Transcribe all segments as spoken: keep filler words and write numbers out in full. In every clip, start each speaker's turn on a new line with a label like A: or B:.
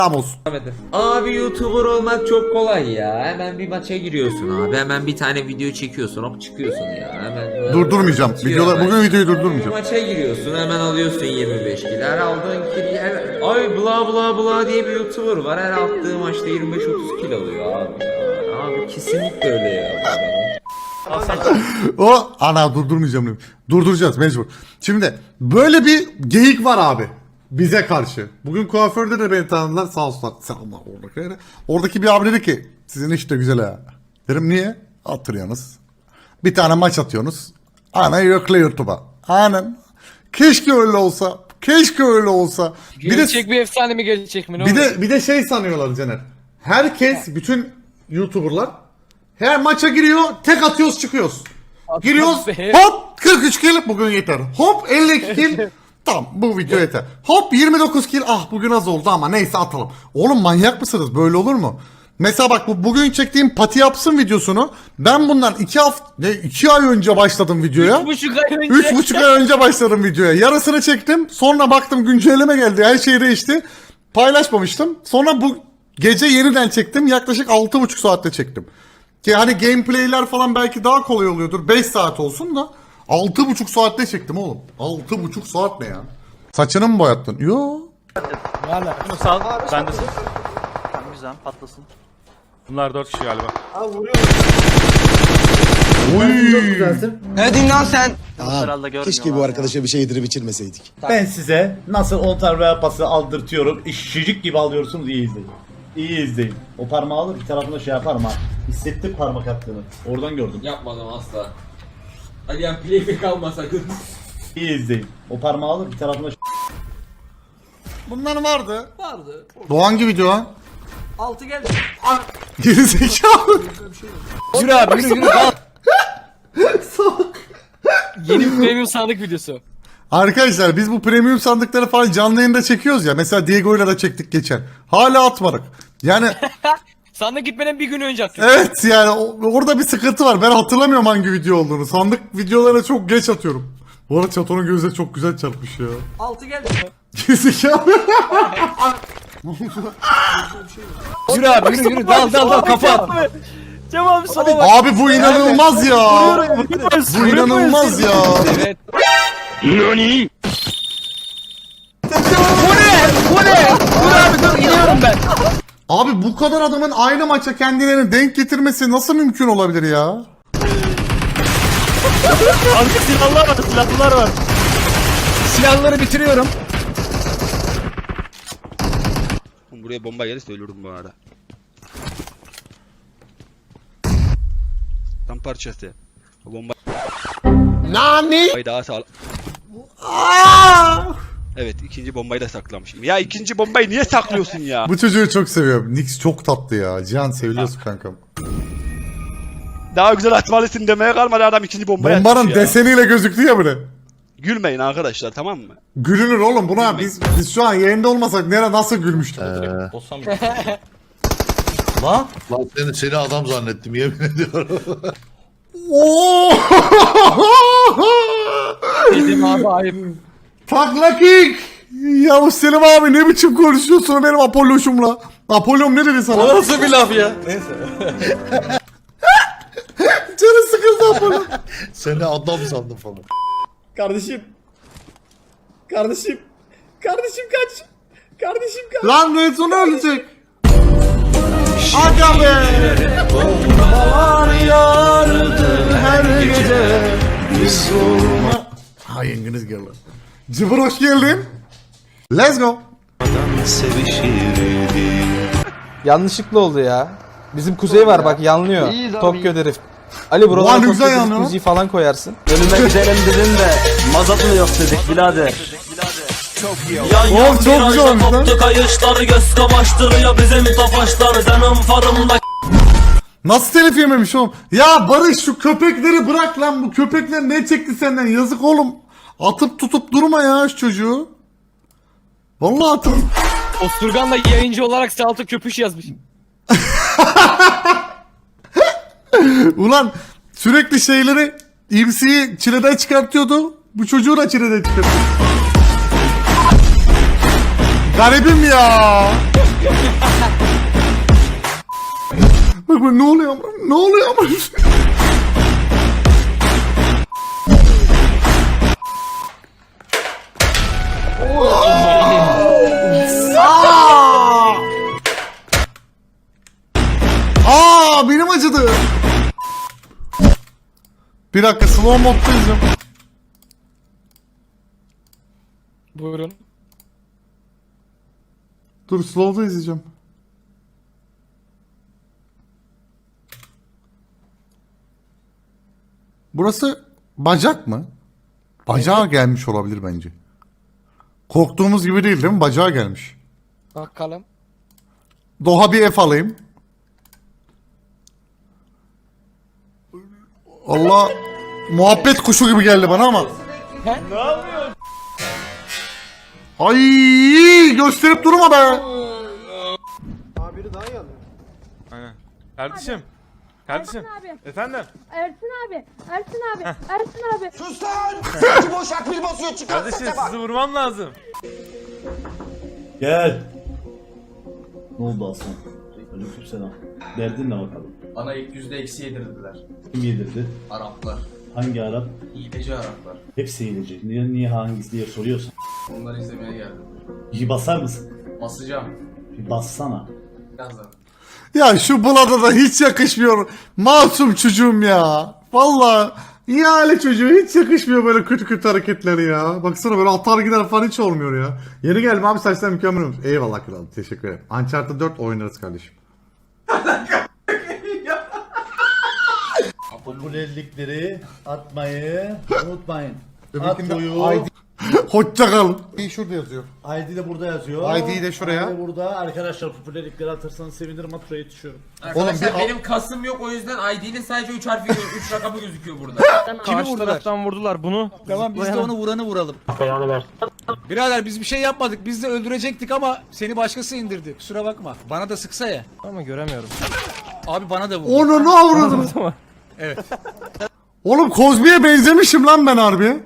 A: Ramos.
B: Abi YouTuber olmak çok kolay ya. Hemen bir maça giriyorsun abi. Hemen bir tane video çekiyorsun. Hop çıkıyorsun ya. Hemen
A: Durdurmayacağım. Videolar, bugün videoyu durdurmayacağım.
B: Maça giriyorsun. Hemen alıyorsun yirmi beş kilo. Her aldığın kilo. Her... Ay bla bla bla diye bir YouTuber var. Her attığı maçta yirmi beş otuz kilo alıyor abi ya. Abi kesinlikle öyle ya.
A: O ana durdurmayacağım dedim. Durduracağız mecbur. Şimdi böyle bir geyik var abi. Bize karşı. Bugün kuaförde de beni tanıdılar. Sağ olsunlar. Selamlar oradaki. Oradaki bir abi dedi ki sizin iş de güzel ha. Dedim niye? Atırıyorsunuz. Bir tane maç atıyorsunuz. Ana yükle YouTube'a. Aynen. Keşke öyle olsa. Keşke öyle olsa.
C: Gerçek bir, de, bir efsane mi gerçek mi? Ne
A: bir
C: olur?
A: de bir de şey sanıyorlar Caner. Herkes bütün YouTuber'lar her maça giriyor, tek atıyoruz çıkıyoruz. Giriyoruz, hop kırk üç kill bugün yeter. Hop elli iki kill. Tamam bu video yeter. Hop yirmi dokuz kill. Ah bugün az oldu ama neyse atalım. Oğlum manyak mısınız? Böyle olur mu? Mesela bak bu bugün çektiğim pati yapsın videosunu ben bundan iki hafta ne iki ay önce başladım videoya.
C: Üç buçuk ay önce.
A: Üç buçuk ay önce başladım videoya. Yarısını çektim. Sonra baktım güncelleme geldi. Her şey değişti. Paylaşmamıştım. Sonra bu gece yeniden çektim. Yaklaşık altı buçuk saatte çektim. Ki hani gameplayler falan belki daha kolay oluyordur. beş saat olsun da altı buçuk saatte çektim oğlum. altı buçuk saat ne ya? Saçını mı boyattın? Yo.
C: Valla.
D: Bunu sal. Ben de sal.
E: Tamam güzel patlasın.
D: Bunlar dört kişi galiba.
A: Uy.
F: Ne diyorsun lan sen?
E: Herhalde görmüyorlar.
G: Keşke bu arkadaşa bir şey yedirip içirmeseydik.
H: Ben size nasıl on tane yapası aldırtıyorum. İşçicik gibi alıyorsunuz, iyi izleyin. İyi izleyin. O parmağı alır bir tarafına şey yaparım ha. Hissettim parmak attığını. Oradan gördüm.
B: Yapmadım asla. Hadi yani playback alma sakın.
H: İyi izleyin. O parmağı alır bir tarafına
A: Bunlar vardı.
F: Vardı.
A: Bu hangi video ha?
F: Altı geldi.
A: Gerizekalı.
C: Yürü abi yürü yürü. Yeni bir premium sandık videosu.
A: Arkadaşlar biz bu premium sandıkları falan canlı yayında çekiyoruz ya. Mesela Diego'yla da çektik geçen. Hala atmadık. Yani
C: Sandık gitmeden bir gün önce attım.
A: evet yani o- orada bir sıkıntı var. Ben hatırlamıyorum hangi video olduğunu. Sandık videolara çok geç atıyorum. Bu arada Çato'nun gözleri çok güzel çarpmış ya.
F: Altı geldi.
A: Gerizekalı.
C: Yürü abi yürü yürü. Dal dal dal kafa at.
E: Cem abi sola bak.
A: Abi bu inanılmaz ya. Bu inanılmaz ya.
C: Evet.
A: Abi bu kadar adamın aynı maça kendilerini denk getirmesi nasıl mümkün olabilir ya?
D: Abi silahlar var, silahlar var.
C: Silahları bitiriyorum.
I: Buraya bomba gelirse ölürüm bu arada. Tam parçası. O bomba.
A: Nani?
I: Daha sağ. Evet ikinci bombayı da saklamışım. Ya ikinci bombayı niye saklıyorsun ya?
A: Bu çocuğu çok seviyorum. Nix çok tatlı ya. Cihan seviyorsun kankam.
I: Daha güzel atmalısın demeye kalmadı adam ikinci bombayı
A: Bombanın
I: atmış ya.
A: deseniyle gözüktü ya bre.
I: Gülmeyin arkadaşlar tamam mı?
A: Gülünür oğlum buna biz biz şu an yayında olmasak nere nasıl gülmüştük?
G: Lan seni, seni adam zannettim yemin ediyorum.
A: Oo!
C: Dedim abi ayıp.
A: Takla kick! Ya Selim abi ne biçim konuşuyorsun benim Apollo'şumla? Apollom ne dedi sana?
F: Nasıl bir laf ya? Neyse.
A: Canı sıkıldı Apollo.
G: Seni adam sandım falan.
H: Kardeşim. Kardeşim. Kardeşim kaç. Kardeşim kaç.
A: Lan Redson ölecek. Aga be! Bombalar yardı her gece. Biz olma. Ha yengeniz geldi. Cıbır hoş geldin. Let's go.
F: Yanlışlıkla oldu ya. Bizim kuzey var bak yanlıyor. Tokyo herif. Ali
A: Ulan
F: buralara
A: ne
F: Tokyo
A: güzel
F: drift
A: yanıyor.
F: müziği falan koyarsın.
E: Önüme gidelim dedin de mazot mu yok dedik birader.
A: Oğlum çok güzel olmuş lan.
E: Kayışlar göz kamaştırıyor bizim tofaşlar canım farımda.
A: Nasıl telif yememiş oğlum? Ya Barış şu köpekleri bırak lan. Bu köpekler ne çekti senden? Yazık oğlum. Atıp tutup durma ya şu çocuğu. Vallahi atıp.
C: Osturgan'la yayıncı olarak salto köpüş yazmış.
A: Ulan sürekli şeyleri M C'yi çileden çıkartıyordu. Bu çocuğu da çileden çıkartıyor. Garibim ya. Bak bak ne oluyor ama? Ne oluyor ama? Aa! Aa, benim acıdı. Bir dakika slow modda izliyorum.
C: Buyurun.
A: Dur slow'da izleyeceğim. Burası bacak mı? Bacağı gelmiş olabilir bence. Korktuğumuz gibi değil değil mi? Bacağı gelmiş.
C: Bakalım.
A: Doğa bir F alayım. Allah, muhabbet kuşu gibi geldi bana ama.
C: Ne yapıyorsun?
A: Ay, gösterip durma be.
D: Aynen. Kardeşim. Kardeşim.
J: Ersin abi.
D: Efendim.
J: Ersin abi. Ersin abi. Ersin abi.
D: Kardeşim sizi vurmam lazım.
H: Gel. Ne oldu Aslan? Aleykümselam. Derdin ne bakalım?
E: Bana ilk yüzde eksi yedirdiler.
H: Kim yedirdi?
E: Araplar.
H: Hangi Arap?
E: Hileci Araplar.
H: Hepsi hileci. Niye, niye hangisi diye soruyorsun.
E: Onları izlemeye geldim.
H: Bir basar mısın?
E: Basacağım.
H: Bir bassana.
E: Birazdan.
A: Ya şu Bulat'a da hiç yakışmıyor. Masum çocuğum ya. Vallahi ihale çocuğu hiç yakışmıyor böyle kötü kötü hareketleri ya. Baksana böyle atar gider falan hiç olmuyor ya. Yeni geldim abi, saçlar mükemmel olmuş. Eyvallah kralım, teşekkür ederim. Uncharted dört oynarız kardeşim.
H: Popülerlikleri atmayı unutmayın. Atmayı.
A: Hoşça kal. İyi şurada yazıyor.
H: I D de burada yazıyor.
A: I D'yi de şuraya.
H: I D burada. Arkadaşlar popülerlikleri atarsanız sevinirim. Atroya yetişiyorum.
B: Arkadaşlar
A: bir-
B: benim kasım yok, o yüzden I D'nin sadece üç harfi üç rakamı gözüküyor burada.
C: Kimi vurdular?
D: vurdular bunu.
C: Tamam biz de onu vuranı vuralım. Birader biz bir şey yapmadık. Biz de öldürecektik ama seni başkası indirdi. Kusura bakma. Bana da sıksa ya.
D: Ama göremiyorum.
C: Abi bana da vurdu.
A: Onu ne avradınız?
C: Evet.
A: Oğlum Kozmi'ye benzemişim lan ben harbi.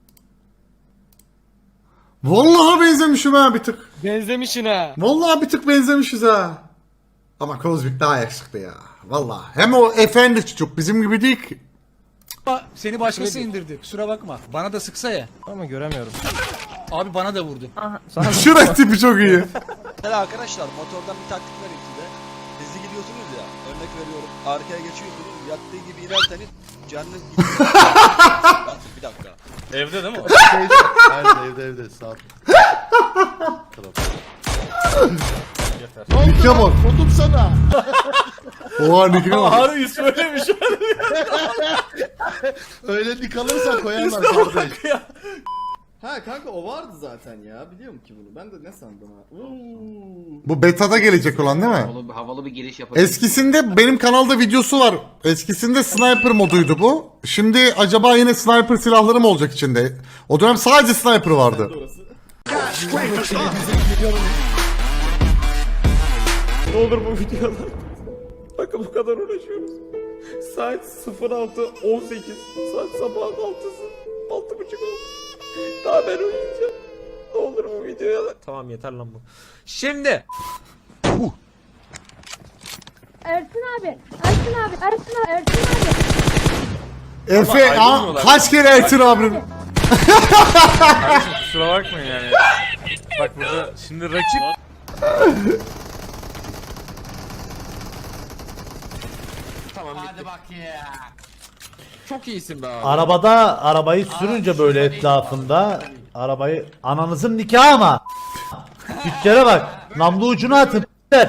A: Vallahi benzemişim ha bir tık.
C: Benzemişsin ha.
A: Vallahi bir tık benzemişiz ha. Ama Kozmik daha yakışıklı ya. Vallahi. Hem o efendi çocuk bizim gibi değil ki.
C: Ama seni başkası indirdi. Kusura bakma. Bana da sıksa ya.
D: Ama göremiyorum.
C: Abi bana da vurdu.
A: Şurek tipi çok iyi.
I: Mesela arkadaşlar motordan bir taktik vereyim size. Hızlı gidiyorsunuz ya. Örnek veriyorum. Arkaya geçiyorsunuz. Yattığı gibi inerseniz canınız gidiyor. Bir dakika.
D: Evde değil mi?
G: Nerede evde evde sağ ol.
A: Nike bak.
G: Vurdum sana.
A: Oha Nike'e bak.
D: Harbi söylemiş.
G: Öyle dik alırsan koyarlar kardeş.
E: Ha kanka o vardı zaten ya. Biliyorum ki bunu. Ben de ne sandım ha.
A: Bu beta'da gelecek olan değil mi?
B: Havalı, havalı bir giriş yapalım.
A: Eskisinde benim kanalda videosu var. Eskisinde sniper moduydu bu. Şimdi acaba yine sniper silahları mı olacak içinde? O dönem sadece sniper vardı.
D: Ne olur bu videolar. Bakın bu kadar uğraşıyoruz. Saat sıfır altı on sekiz. Saat sabahın altısı. altı buçuk oldu. Daha ben uyuyacağım. Ne olur bu videoya. Tamam yeter lan bu. Şimdi.
J: Ersin abi. Ersin abi. Ersin abi. Ersin abi.
A: Efe aa, kaç kere Ertin abim?
D: Kardeşim kusura bakmayın yani. Bak burada şimdi rakip.
B: Hadi bak ya. Çok iyisin be abi.
H: Arabada arabayı sürünce böyle etrafında arabayı ananızın nikahı ama. Tüccara bak. Namlu ucunu atın.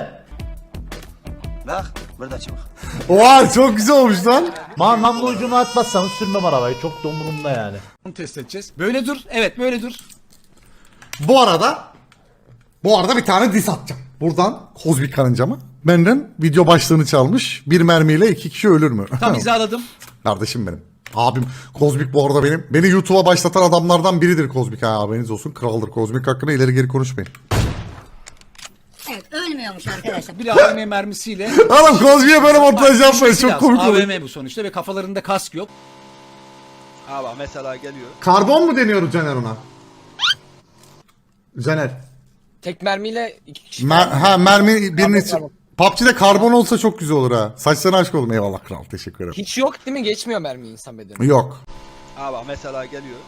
I: Bak burada çık.
A: Oha çok güzel olmuş lan.
H: Ma namlu ucunu atmazsanız sürmem arabayı. Çok da umurumda yani.
C: Onu test edeceğiz. Böyle dur. Evet böyle dur.
A: Bu arada bu arada bir tane diss atacağım. Buradan Kozmik karıncama. Benden video başlığını çalmış. Bir mermiyle iki kişi ölür mü?
C: Tam hizaladım.
A: Kardeşim benim. Abim Kozmik bu arada benim. Beni YouTube'a başlatan adamlardan biridir Kozmik, ha haberiniz olsun. Kraldır Kozmik, hakkında ileri geri konuşmayın.
J: Evet ölmüyormuş arkadaşlar.
C: Bir A V M mermisiyle.
A: Oğlum Kozmik'e böyle montaj yapmayın, çok komik
C: A
A: olur.
C: V M bu sonuçta ve kafalarında kask yok.
I: Ha bak mesela geliyor.
A: Karbon mu deniyoruz Caner ona? Caner.
K: tek mermiyle iki kişi.
A: Mer ha mermi birini...
K: Karbon,
A: P U B G'de karbon olsa çok güzel olur ha. Saçlarına aşk oldum. Eyvallah kral. Teşekkür ederim.
K: Hiç yok değil mi? Geçmiyor mermi insan bedeni.
A: Yok.
I: Ha bak mesela geliyor.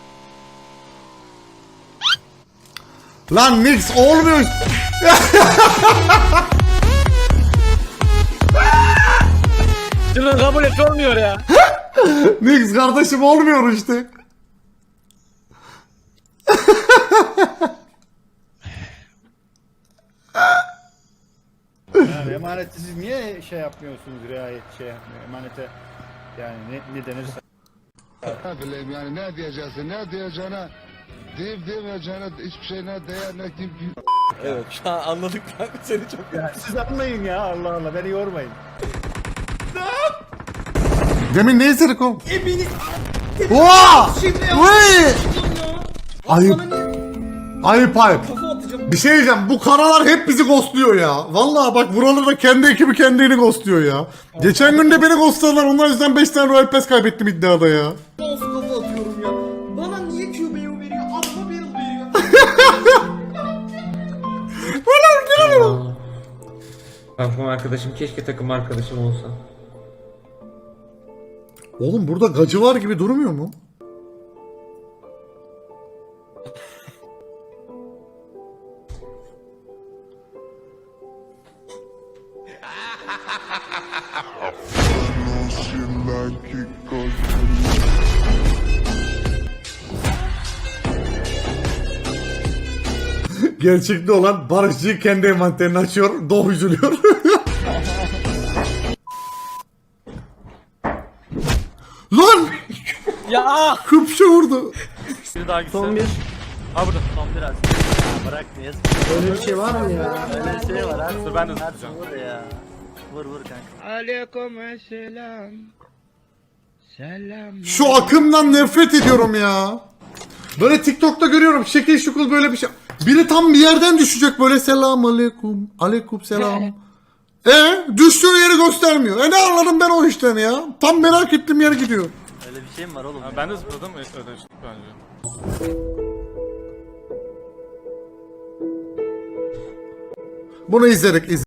A: Lan Nix olmuyor.
K: Şunu kabul et olmuyor ya.
A: Nix kardeşim olmuyor işte.
C: Yani emaneti siz niye şey yapmıyorsunuz, riayet şey yapmıyor, emanete yani ne, ne denirse.
G: Ne bileyim yani ne diyeceksin ne diyeceğine deyip demeyeceğine hiçbir şey ne değer ne kim
D: Evet şu an anladık kanka seni çok.
C: Ya siz anlayın ya, Allah Allah, beni yormayın.
A: Demin ne izledik oğlum? Ebeni... Oha! Vay! Ayıp. Ayıp ayıp. Bir şey diyeceğim, bu karalar hep bizi ghostluyor ya. Vallahi bak buralarda kendi ekibi kendini ghostluyor ya. Geçen gün de beni ghostladılar, onlar yüzünden beş tane Royal Pass kaybettim iddiada ya.
E: Of kafa atıyorum ya. Bana niye Q B U veriyor? Adama Barrel veriyor.
B: Takım arkadaşım keşke takım arkadaşım olsa.
A: Oğlum burada gacı var gibi durmuyor mu? Gerçekte olan Barışçı kendi envanterini açıyor, Doğu üzülüyor. Lan!
K: Ya
A: Kıpşı vurdu.
D: Son bir. Ha burada. Son biraz. Bırak niye?
E: Öyle bir şey var mı ya?
D: Öyle bir şey var ha. Dur ben de tutacağım.
C: Vur ya. Vur vur kanka.
A: Şu akımdan nefret ediyorum ya. Böyle TikTok'ta görüyorum şekil şukul böyle bir şey. Biri tam bir yerden düşecek böyle selam aleyküm. Aleyküm selam. E düştüğü yeri göstermiyor. E ne anladım ben o işten ya. Tam merak ettiğim yer gidiyor.
C: Öyle bir şey mi var oğlum?
D: Ben de zıpladım. Öyle bence.
A: Bunu izledik. iz